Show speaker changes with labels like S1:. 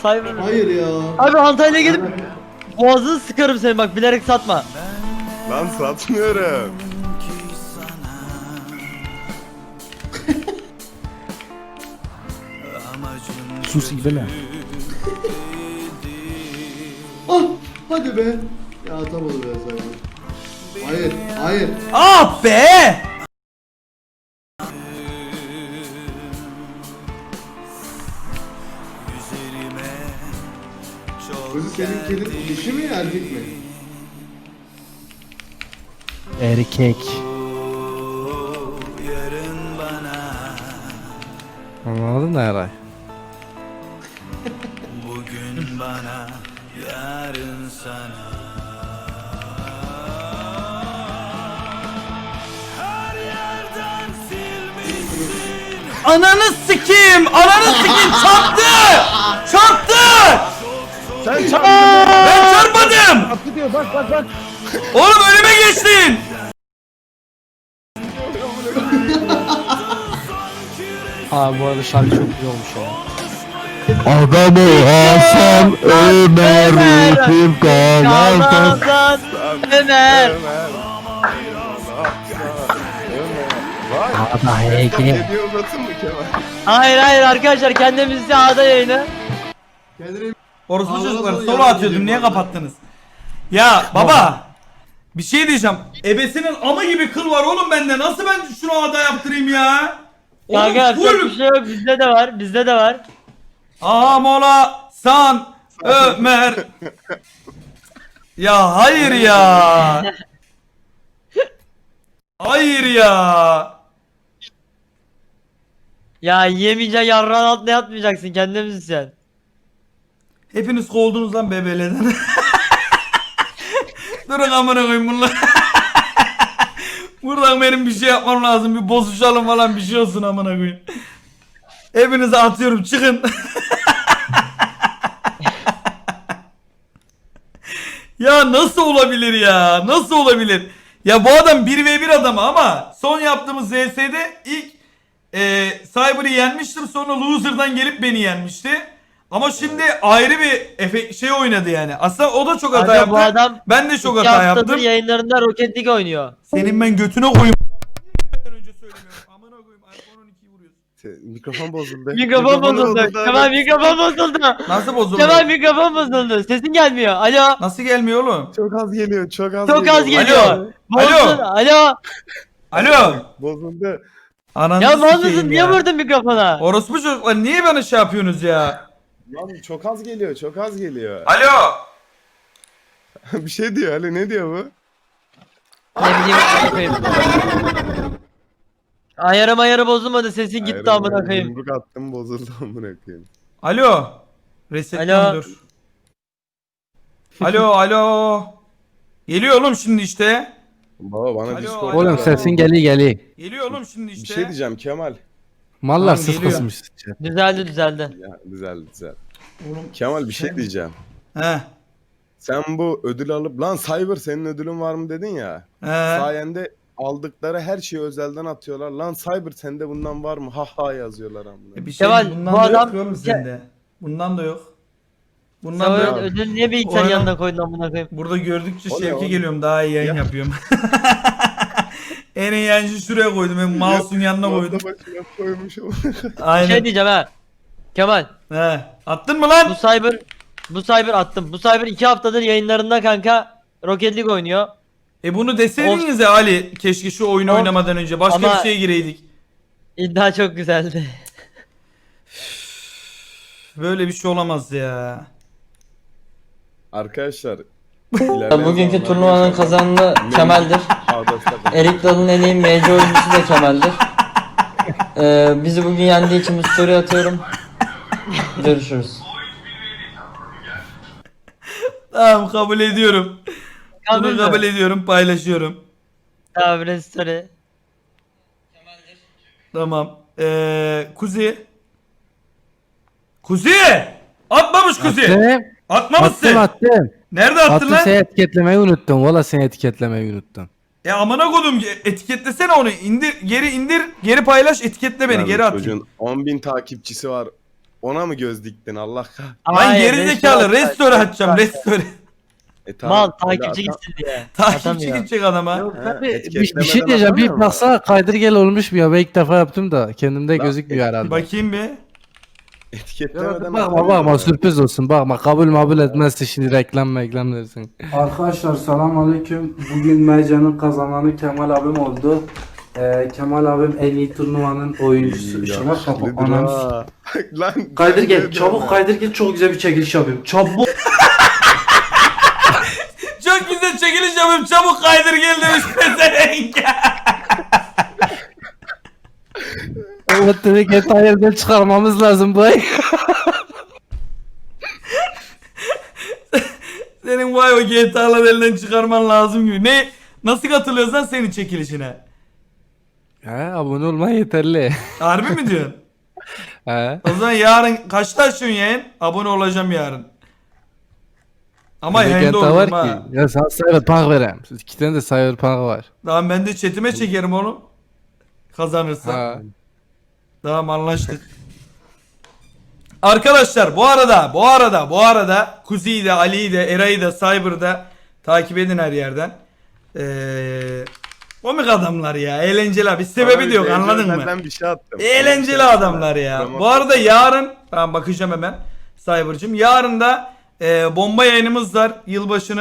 S1: Cyber.
S2: Hayır ya.
S1: Abi Antalya'ya gidip boğazını sıkarım seni bak, bilerek satma.
S3: Lan satmıyorum.
S4: Sus İbne.
S2: Ah hadi be. Ya atamadı be sen. Hayır hayır.
S5: Ah be!
S2: Kızı senin kedin dişi mi erkek mi?
S4: Erkek. Anladın da Eray.
S6: Bugün bana, yarın sana. Her yerden silmişsin.
S5: Ananı sikeyim! Ananı sikeyim! Çarptı! Çarptı!
S3: Sen
S5: Ben çarpmadım!
S4: Gidiyor bak bak bak.
S5: Oğlum önüme geçtin!
S4: Abi bu arada şarkı çok güzel olmuş ya.
S7: Adamı Hasan Ömer Rıfım Kalan'dan
S1: Kazan Ömer.
S3: Vay.
S4: Ada HG.
S3: Hediye uzatın mı Kemal?
S1: Hayır arkadaşlar, kendimizi A'da yayını.
S2: Kendine
S5: Orospu
S2: Ağzına
S5: çocuklar
S2: sonra
S5: solo
S2: yardım
S5: atıyordum,
S2: edeyim
S5: niye
S2: bari.
S5: kapattınız? Ya baba! Bir şey diyeceğim. Ebesinin ama gibi kıl var oğlum bende. Nasıl ben şunu ada yaptırayım ya?
S1: Kanka
S5: Oğlum
S1: yapacak
S5: full.
S1: bir şey yok, bizde de var, bizde de var.
S5: Mola San Ömer. Ya hayır ya. Hayır ya.
S1: Ya yemeyeceksin, yarrağın altına yatmayacaksın, kendimiz sen.
S5: Hepiniz kovuldunuz lan BBL'den. Durun amına koyayım bunlar. Buradan benim bir şey yapmam lazım. Bir bozuşalım falan, bir şey olsun amına koyayım. Hepinize atıyorum, çıkın. Ya nasıl olabilir ya? Nasıl olabilir? Ya bu adam 1v1 adamı ama son yaptığımız ZS'de ilk Cyber'ı yenmiştim, sonra Loser'dan gelip beni yenmişti. Ama şimdi ayrı bir şey oynadı yani. Aslında o da çok hata
S1: Kanka
S5: yaptı.
S1: bu adam
S5: Ben de çok
S1: 2
S5: hata
S1: haftadır
S5: yaptım.
S1: yayınlarında Rocket League oynuyor.
S5: Senin ben götüne koyayım. Önce söylemiyorum. Amına koyayım. iPhone 12'yi vuruyorsun.
S3: Mikrofon bozuldu.
S1: Mikrofon bozuldu. Kemal mikrofon bozuldu.
S5: Nasıl bozuldu?
S1: Kemal mikrofon bozuldu. Sesin gelmiyor. Alo.
S5: Nasıl gelmiyor oğlum?
S3: Çok az geliyor, çok az
S1: Çok az
S3: geliyor.
S1: geliyor.
S5: Alo.
S1: Bozdu. Alo.
S5: Alo.
S3: Bozuldu.
S5: Ananı
S1: Ya mal
S5: sikeyim
S1: mısın? Niye
S5: ya.
S1: vurdun mikrofona?
S5: Orospu çocuklar niye bana şey yapıyorsunuz ya?
S3: Lan çok az geliyor, çok az geliyor.
S5: Alo.
S3: Bir şey diyor Ali, ne diyor bu?
S1: Ne bileyim, amına koyayım. Ayarı bozulmadı, sesin gitti
S3: Hayır,
S1: amına koyayım.
S3: Yumruk attım, bozuldu amına koyayım.
S5: Alo. Resetten
S1: Alo.
S5: dur. Alo. Geliyor oğlum şimdi işte.
S3: Baba bana
S5: Alo,
S3: Discord.
S5: alo.
S4: Oğlum sesin geliyor.
S5: Geliyor oğlum şimdi
S3: Bir
S5: işte.
S3: şey diyeceğim Kemal.
S4: Mallar
S5: Tamam, geliyor.
S4: sıfırsmış.
S1: Düzeldi.
S3: Ya güzel.
S5: Oğlum,
S3: Kemal bir şey diyeceğim.
S5: He.
S3: Sen bu ödül alıp lan Cyber senin ödülün var mı dedin ya.
S5: He.
S3: Sayende aldıkları her şeyi özelden atıyorlar. Lan Cyber sende bundan var mı? Ha ha yazıyorlar amına.
S5: Bir şey
S1: Kemal,
S5: bundan
S1: bu
S5: da
S1: adam-
S5: yok oğlum sende. Bundan da yok.
S1: Sen
S5: Bundan da yok.
S1: ödül niye bilgisayarın
S5: Oyna.
S1: yanına koydun amına koyayım?
S5: Burada gördükçe
S3: O ne
S5: şevke
S3: oğlum?
S5: geliyorum, daha iyi yayın
S3: Ya.
S5: yapıyorum. En iyi yayıncı şuraya koydum. Ben mouse'un yanına koydum.
S3: Masa başına koymuşum.
S1: Bir
S5: Aynen.
S1: şey diyeceğim ha. Kemal,
S5: He. Attın mı lan?
S1: bu Cyber attım. Bu Cyber 2 haftadır yayınlarında kanka Rocket League oynuyor.
S5: Bunu deseydiniz ya Ali, keşke şu oyunu
S1: Of.
S5: oynamadan önce başka
S1: Ama-
S5: bir şeye gireydik.
S1: İddia çok güzeldi.
S5: Böyle bir şey olamaz ya.
S3: Arkadaşlar.
S8: Bugünkü turnuvanın kazananı Kemal'dir. Erik Dalı'nın en iyi MC oyuncusu da Kemal'dir. Bizi bugün yendiği için bu story atıyorum. Görüşürüz.
S5: Tamam, kabul ediyorum.
S1: Kabul
S5: Bunu
S1: mü?
S5: kabul ediyorum, paylaşıyorum.
S1: Tamam, restore.
S5: Tamam. Kuzi. Kuzi! Atmamış Kuzi. Atmamışsın.
S4: Attım.
S5: Nerede attın
S4: Attım,
S5: lan?
S4: seni etiketlemeyi unuttum. Valla seni etiketlemeyi unuttum.
S5: Amına kodum, etiketlesene onu. İndir, geri paylaş, etiketle beni, geri at.
S3: Çocuğun 10.000 takipçisi var. Ona mı göz diktin Allah kahretsin?
S5: Lan
S1: Hayır,
S5: gerizekalı restore açacağım restore.
S1: Mal
S3: öyle
S1: takipçi
S3: ata-
S1: gitsin diye.
S5: Takipçi
S1: Atamıyor.
S5: gidecek adama.
S4: Yok
S3: Ha,
S4: tabii bir
S3: etiketlemeden
S4: şey diyeceğim. Bir
S3: atamıyor mu?
S4: baksa kaydır gel olmuş mu ya? Ben ilk defa yaptım da kendimde
S3: Lan,
S4: gözükmüyor herhalde.
S5: Bakayım bir.
S3: Etiketlemeden
S4: Bakma bakma sürpriz olsun bakma kabul etmezse şimdi reklam dersin.
S9: Arkadaşlar selamünaleyküm. Bugün Mercan'ın kazananı Kemal abim oldu. Kemal abim en iyi turnuvanın oyuncusu. Şuna kapat anam.
S3: Lan
S9: Kaydır gel, çabuk kaydır gel, çok güzel bir çekiliş yapayım. Çabuk.
S5: Çok güzel çekiliş yapayım çabuk kaydır gel demiş pezevenk.
S4: Evet dedik detaylardan çıkarmamız lazım bu ay.
S5: Senin vay o GTA'ları elinden çıkarman lazım gibi. Ne? Nasıl katılıyorsun lan senin çekilişine?
S4: He abone olman yeterli.
S5: Harbi mi diyorsun?
S4: He.
S5: O zaman yarın kaçta açıyorsun yayın? Abone olacağım yarın. Ama yayında
S4: GTA var
S5: olurum ha.
S4: ki. Ya sana Cyberpunk vereyim. İki tane de Cyberpunk var.
S5: Tamam ben de chatime çekerim onu. Kazanırsa.
S4: Ha.
S5: Tamam anlaştık. Arkadaşlar bu arada Kuzi'yi de Ali'yi de Eray'ı da Cyber'ı da takip edin her yerden. Komik adamlar ya eğlenceli abi. Sebebi de yok anladın mı?
S3: Ben bir şey attım.
S5: Eğlenceli adamlar ya. Bu arada yarın ben bakacağım hemen Cyber'cığım. Yarın da bomba yayınımız var. Yılbaşını